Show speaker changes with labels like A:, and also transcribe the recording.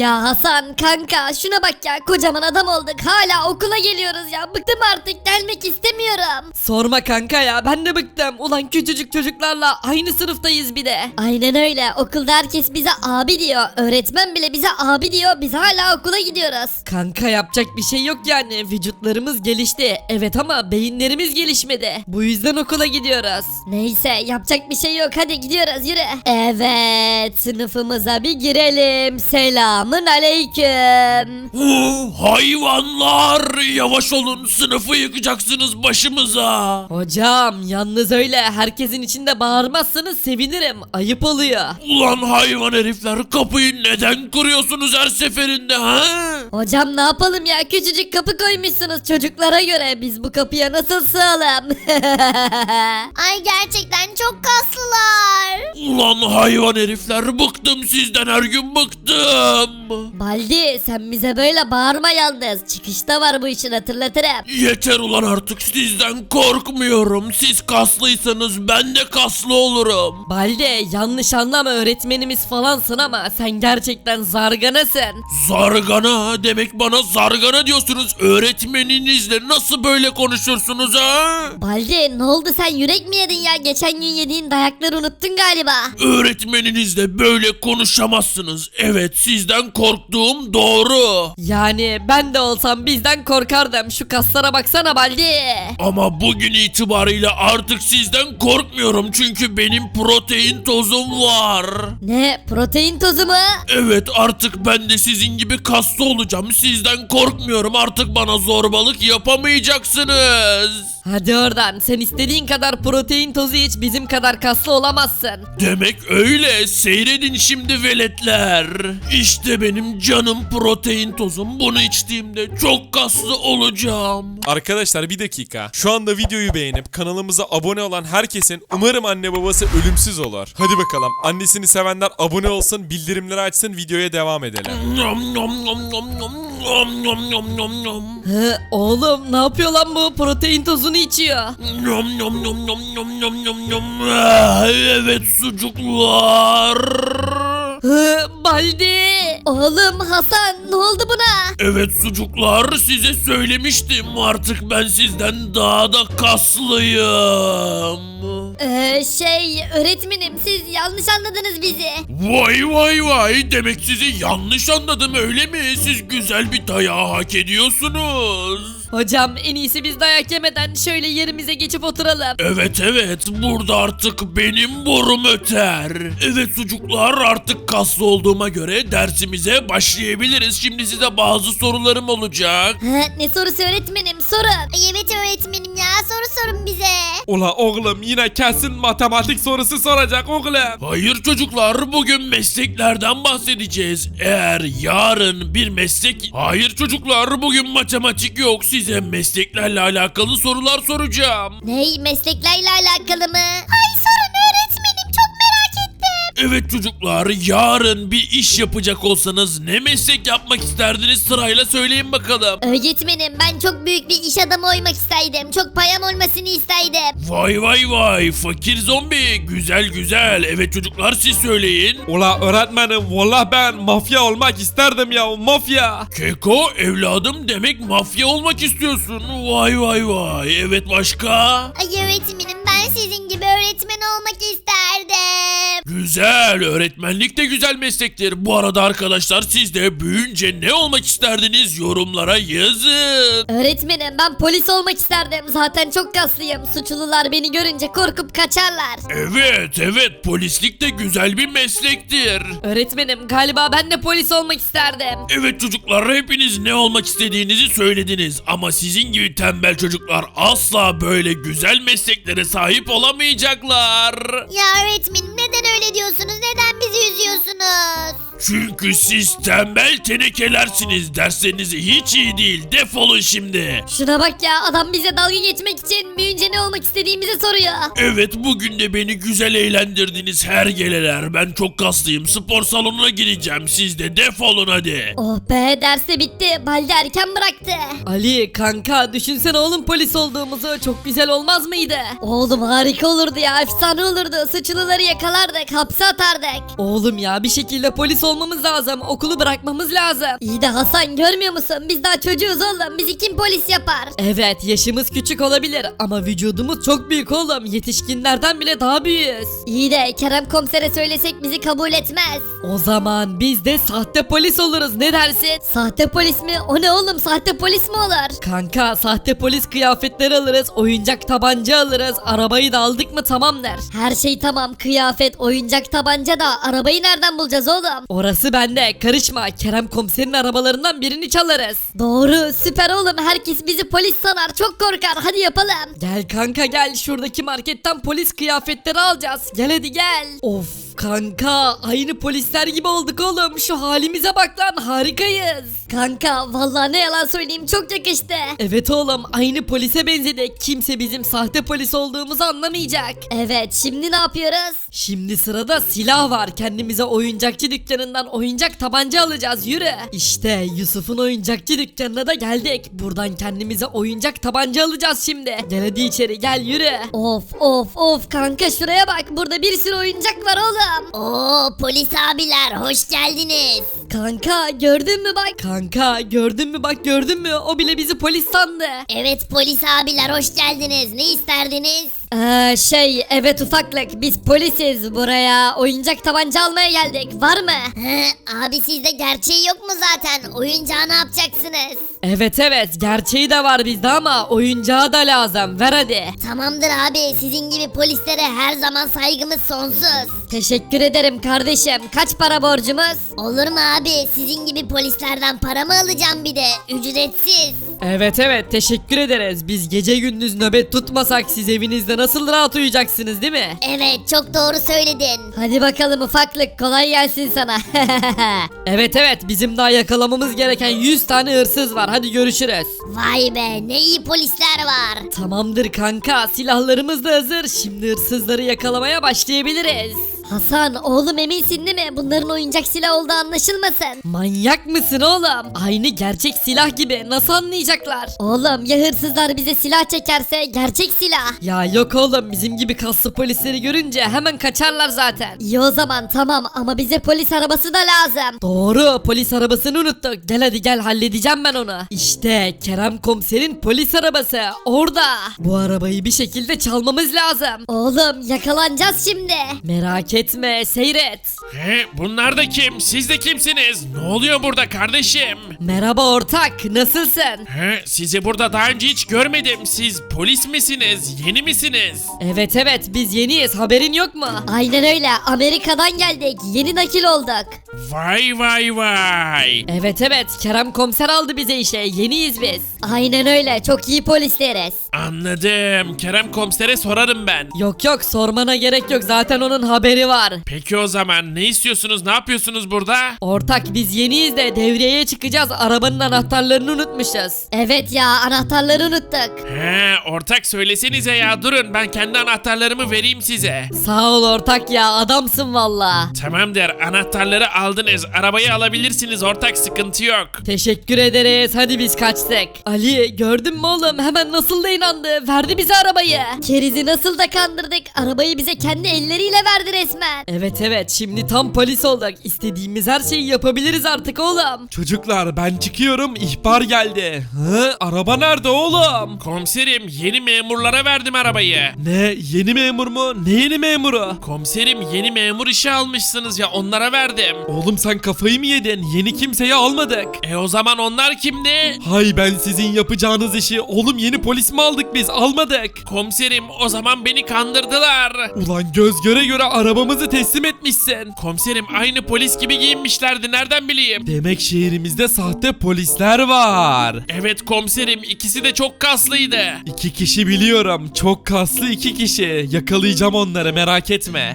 A: Ya Hasan kanka şuna bak ya, kocaman adam olduk hala okula geliyoruz ya, bıktım artık, gelmek istemiyorum.
B: Sorma kanka ya, ben de bıktım. Ulan küçücük çocuklarla aynı sınıftayız bir de.
A: Aynen öyle, okulda herkes bize abi diyor, öğretmen bile bize abi diyor, biz hala okula gidiyoruz.
B: Kanka yapacak bir şey yok yani. Vücutlarımız gelişti. Evet ama beyinlerimiz gelişmedi. Bu yüzden okula gidiyoruz.
A: Neyse yapacak bir şey yok, hadi gidiyoruz, yürü. Evet, sınıfımıza bir girelim. Selamın aleyküm.
C: Hayvanlar, yavaş olun, sınıfı yıkacaksınız başımıza.
B: Hocam yalnız öyle herkesin içinde bağırmazsanız sevinirim. Ayıp oluyor.
C: Ulan hayvan herifler, kapıyı neden kırıyorsunuz her seferinde ha?
A: Hocam ne yapalım ya, küçücük kapı koymuşsunuz çocuklara göre, biz bu kapıya nasıl sığalım? Ay gerçekten çok kaslılar.
C: Ulan hayvan herifler, bıktım sizden, her gün bıktım.
A: Baldi sen bize böyle bağırma yalnız, çıkışta var bu işin, hatırlatırım.
C: Yeter ulan, artık sizden korkmuyorum. Siz kaslıysanız ben de kaslı olurum.
B: Balde yanlış anlama, öğretmenimiz falansın ama sen gerçekten zarganasın.
C: Zargana demek, bana zargana diyorsunuz. Öğretmeninizle nasıl böyle konuşursunuz ha?
A: Baldi ne oldu, sen yürek mi yedin ya, geçen gün yediğin dayakları unuttun galiba.
C: Öğretmeninizle böyle konuşamazsınız. Evet, sizden korktuğum doğru.
B: Yani ben de olsam bizden korkardım. Şu kaslara baksana Baldi.
C: Ama bugün itibariyle artık sizden korkmuyorum. Çünkü benim protein tozum var.
A: Ne, protein tozu mu?
C: Evet, artık ben de sizin gibi kaslı olacağım. Sizden korkmuyorum. Artık bana zorbalık yapamayacaksınız.
B: Hadi oradan, sen istediğin kadar protein tozu iç, bizim kadar kaslı olamazsın.
C: Demek öyle. Seyredin şimdi veletler. İşte benim canım protein tozum. Bunu içtiğimde çok kaslı olacağım.
D: Arkadaşlar bir dakika. Şu anda videoyu beğenip kanalımıza abone olan herkesin umarım anne babası ölümsüz olur. Hadi bakalım. Annesini sevenler abone olsun, bildirimleri açsın, videoya devam edelim.
C: Nom nom nom nom nom nom nom nom nom nom.
B: Hı, oğlum ne yapıyor lan bu, protein tozunu içiyor.
C: Nom nom nom nom nom nom nom nom. Ah, evet sucuklar.
B: Hı, Baldi.
A: Oğlum Hasan ne oldu buna?
C: Evet sucuklar, size söylemiştim, artık ben sizden daha da kaslıyım.
A: Öğretmenim siz yanlış anladınız bizi.
C: Vay vay vay, demek sizi yanlış anladım öyle mi? Siz güzel bir dayağı hak ediyorsunuz.
B: Hocam en iyisi biz dayak yemeden şöyle yerimize geçip oturalım.
C: Evet evet, burada artık benim borum öter. Evet sucuklar, artık kaslı olduğuma göre dersimize başlayabiliriz. Şimdi size bazı sorularım olacak.
A: Ne sorusu öğretmenim, sorun. Ay evet öğretmenim ya, soru sorun bize.
D: Ula oğlum yine kesin matematik sorusu soracak oğlum.
C: Hayır çocuklar, bugün mesleklerden bahsedeceğiz. Eğer yarın bir meslek... Hayır çocuklar, bugün matematik yok. Size mesleklerle alakalı sorular soracağım.
A: Ney, mesleklerle alakalı mı? Ay sorun öğretmenim, çok merak ettim.
C: Evet çocuklar, yarın bir iş yapacak olsanız ne meslek yapmak isterdiniz, sırayla söyleyin bakalım.
A: Öğretmenim ben çok büyük bir iş adamı olmak isterdim. Çok payam olmasını isterdim.
C: Vay vay vay, fakir zombi, güzel güzel. Evet çocuklar, siz söyleyin.
D: Ula öğretmenim valla ben mafya olmak isterdim ya, mafya.
C: Keko evladım, demek mafya olmak istiyorsun. Vay vay vay. Evet başka?
A: Ay öğretmenim ben sizin gibi öğretmen olmak isterdim.
C: Güzel, öğretmenlik de güzel meslektir. Bu arada arkadaşlar, siz de büyüyünce ne olmak isterdiniz, yorumlara yazın.
A: Öğretmenim ben polis olmak isterdim. Zaten çok kaslıyım. Suçlular beni görünce korkup kaçarlar.
C: Evet evet, polislik de güzel bir meslektir.
B: Öğretmenim galiba ben de polis olmak isterdim.
C: Evet çocuklar, hepiniz ne olmak istediğinizi söylediniz. Ama sizin gibi tembel çocuklar asla böyle güzel mesleklere sahip olamayacaklar.
A: Ya öğretmenim neden öyle diyorsunuz? Neden bizi üzüyorsunuz?
C: Çünkü siz tembel tenekelersiniz. Dersleriniz hiç iyi değil. Defolun şimdi.
A: Şuna bak ya, adam bize dalga geçmek için büyüyünce ne olmak istediğimizi soruyor.
C: Evet, bugün de beni güzel eğlendirdiniz hergeleler. Ben çok kaslıyım. Spor salonuna gireceğim. Siz de defolun hadi.
A: Oh be, ders de bitti. Baldi erken bıraktı.
B: Ali kanka düşünsene oğlum polis olduğumuzu, çok güzel olmaz mıydı?
A: Oğlum harika olurdu ya, efsane olurdu. Suçluları yakalar atardık, hapse atardık.
B: Oğlum ya bir şekilde polis olmamız lazım. Okulu bırakmamız lazım.
A: İyi de Hasan görmüyor musun? Biz daha çocuğuz oğlum. Bizi kim polis yapar?
B: Evet yaşımız küçük olabilir ama vücudumuz çok büyük oğlum. Yetişkinlerden bile daha büyüğüz.
A: İyi de Kerem komisere söylesek bizi kabul etmez.
B: O zaman biz de sahte polis oluruz, ne dersin?
A: Sahte polis mi? O ne oğlum? Sahte polis mi olur?
B: Kanka sahte polis kıyafetleri alırız, oyuncak tabanca alırız, arabayı da aldık mı tamamdır.
A: Her şey tamam. Kıyafet, oyuncak tabanca da arabayı nereden bulacağız oğlum?
B: Orası bende, karışma. Kerem komiserin arabalarından birini çalarız.
A: Doğru, süper oğlum. Herkes bizi polis sanar. Çok korkar. Hadi yapalım.
B: Gel kanka gel, şuradaki marketten polis kıyafetleri alacağız. Gel hadi gel. Of kanka aynı polisler gibi olduk oğlum. Şu halimize bak lan, harikayız.
A: Kanka vallahi ne yalan söyleyeyim çok yakıştı.
B: Evet oğlum aynı polise benzedik. Kimse bizim sahte polis olduğumuzu anlamayacak.
A: Evet, şimdi ne yapıyoruz?
B: Şimdi sırada silah var. Kendimize oyuncakçı dükkanından oyuncak tabanca alacağız, yürü. İşte Yusuf'un oyuncakçı dükkanına da geldik. Buradan kendimize oyuncak tabanca alacağız şimdi. Gel hadi içeri gel, yürü.
A: Of of of kanka şuraya bak. Burada bir sürü oyuncak var oğlum. Oo polis abiler hoş geldiniz. Kanka gördün mü bak.
B: Kanka gördün mü bak, gördün mü? O bile bizi polis sandı.
A: Evet polis abiler hoş geldiniz. Ne isterdiniz? Evet ufaklık biz polisiz, buraya oyuncak tabanca almaya geldik, var mı? Abi sizde gerçeği yok mu zaten, oyuncağı ne yapacaksınız?
B: Evet gerçeği de var bizde ama oyuncağı da lazım, ver hadi.
A: Tamamdır abi, sizin gibi polislere her zaman saygımız sonsuz. Teşekkür ederim kardeşim, kaç para borcumuz? Olur mu abi, sizin gibi polislerden para mı alacağım bir de, ücretsiz.
B: Evet teşekkür ederiz. Biz gece gündüz nöbet tutmasak siz evinizde nasıl rahat uyuyacaksınız değil mi?
A: Evet çok doğru söyledin. Hadi bakalım ufaklık, kolay gelsin sana.
B: Evet bizim daha yakalamamız gereken 100 tane hırsız var, hadi görüşürüz.
A: Vay be, ne iyi polisler var.
B: Tamamdır kanka, silahlarımız da hazır. Şimdi hırsızları yakalamaya başlayabiliriz.
A: Hasan oğlum eminsin değil mi? Bunların oyuncak silah olduğu anlaşılmasın.
B: Manyak mısın oğlum? Aynı gerçek silah gibi, nasıl anlayacaklar?
A: Oğlum ya hırsızlar bize silah çekerse, gerçek silah.
B: Ya yok oğlum, bizim gibi kaslı polisleri görünce hemen kaçarlar zaten.
A: İyi o zaman tamam ama bize polis arabası da lazım.
B: Doğru, polis arabasını unuttuk. Gel hadi gel, halledeceğim ben onu. İşte Kerem komiserin polis arabası orada. Bu arabayı bir şekilde çalmamız lazım.
A: Oğlum yakalanacağız şimdi.
B: Merak etme, seyret.
C: Bunlar da kim? Siz de kimsiniz? Ne oluyor burada kardeşim?
B: Merhaba ortak, nasılsın?
C: Sizi burada daha önce hiç görmedim. Siz polis misiniz? Yeni misiniz?
B: Evet biz yeniyiz, haberin yok mu?
A: Aynen öyle, Amerika'dan geldik, yeni nakil olduk.
C: Vay.
B: Evet Kerem komiser aldı bize işe, yeniyiz biz.
A: Aynen öyle, çok iyi polisleriz.
C: Anladım. Kerem komisere sorarım ben.
B: Yok sormana gerek yok, zaten onun haberi var.
C: Peki o zaman ne istiyorsunuz? Ne yapıyorsunuz burada?
B: Ortak biz yeniyiz de devreye çıkacağız, arabanın anahtarlarını unutmuşuz.
A: Evet ya, anahtarları unuttuk.
C: Ortak söylesenize ya, durun ben kendi anahtarlarımı vereyim size.
B: Sağ ol ortak ya, adamsın valla.
C: Tamamdır, anahtarları aldınız, arabayı alabilirsiniz ortak, sıkıntı yok.
B: Teşekkür ederiz, hadi biz kaçtık. Ali gördün mü oğlum, hemen nasıl da inandı, verdi bize arabayı.
A: Kerizi nasıl da kandırdık, arabayı bize kendi elleriyle verdi resmen.
B: Evet şimdi tam polis olduk, istediğimiz her şeyi yapabiliriz artık oğlum.
E: Çocuklar ben çıkıyorum, ihbar geldi. Araba nerede oğlum?
C: Komiserim, yeni memurlara verdim arabayı.
E: Ne, yeni memur mu? Ne yeni memuru?
C: Komiserim, yeni memur işe almışsınız ya, onlara verdim.
E: Oğlum sen kafayı mı yedin? Yeni kimseyi almadık.
C: O zaman onlar kimdi?
E: Hay ben sizin yapacağınız işi. Oğlum yeni polis mi aldık biz? Almadık.
C: Komiserim, o zaman beni kandırdılar.
E: Ulan göz göre göre arabamızı teslim etmişsin.
C: Komiserim, aynı polis gibi giyinmişlerdi, nereden bileyim?
E: Demek şehrimizde sahte polisler var.
C: Evet komiserim, ikisi de çok kaslıydı.
E: 2 kişi biliyorum. Çok kaslı 2 kişi. Yakalayacağım onları, merak etme.